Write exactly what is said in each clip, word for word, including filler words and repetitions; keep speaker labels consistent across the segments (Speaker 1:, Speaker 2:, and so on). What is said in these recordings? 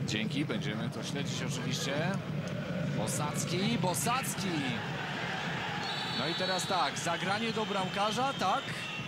Speaker 1: Dzięki, będziemy to śledzić oczywiście. Bosacki, Bosacki. No i teraz tak, zagranie do bramkarza, tak?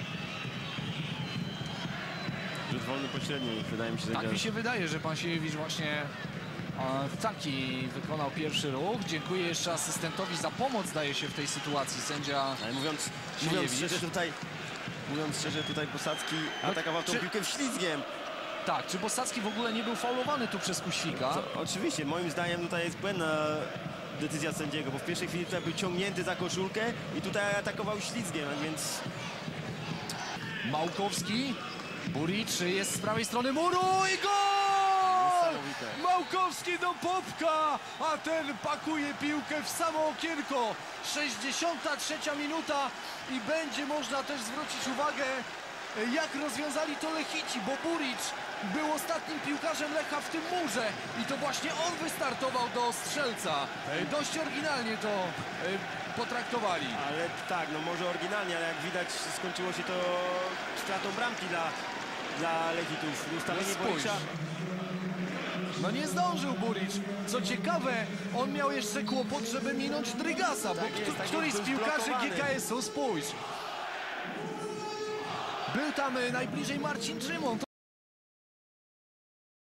Speaker 2: Rzut wolny pośredni, wydaje mi się.
Speaker 1: Tak mi się wydaje, że pan Siewicz właśnie e, taki wykonał pierwszy ruch. Dziękuję jeszcze asystentowi za pomoc, zdaje się, w tej sytuacji sędzia.
Speaker 2: Ale mówiąc, mówiąc szczerze tutaj, mówiąc szczerze tutaj Bosacki
Speaker 1: No,
Speaker 2: atakował tą
Speaker 1: czy...
Speaker 2: piłkę ślizgiem.
Speaker 1: Tak, czy Bosacki w ogóle nie był faulowany tu przez Kuświka?
Speaker 2: Co, oczywiście, moim zdaniem tutaj jest błędna decyzja sędziego, bo w pierwszej chwili tutaj był ciągnięty za koszulkę i tutaj atakował ślizgiem, a więc...
Speaker 1: Małkowski, Buric jest z prawej strony muru i gol! Małkowski do Popka, a ten pakuje piłkę w samo okienko. sześćdziesiąta trzecia minuta i będzie można też zwrócić uwagę, jak rozwiązali to Lechici, bo Buric był ostatnim piłkarzem Lecha w tym murze i to właśnie on wystartował do strzelca. Dość oryginalnie to potraktowali.
Speaker 2: Ale tak, no może oryginalnie, ale jak widać skończyło się to stratą bramki dla, dla Lechitów. Ustawienie
Speaker 1: No
Speaker 2: Buricza.
Speaker 1: No nie zdążył Buric. Co ciekawe, on miał jeszcze kłopot, żeby minąć Drygasa, bo
Speaker 2: Tak jest, tak
Speaker 1: któryś
Speaker 2: jest,
Speaker 1: z
Speaker 2: był
Speaker 1: piłkarzy
Speaker 2: zblokowany.
Speaker 1: G K S-u, spójrz. Był tam najbliżej Marcin Czymon.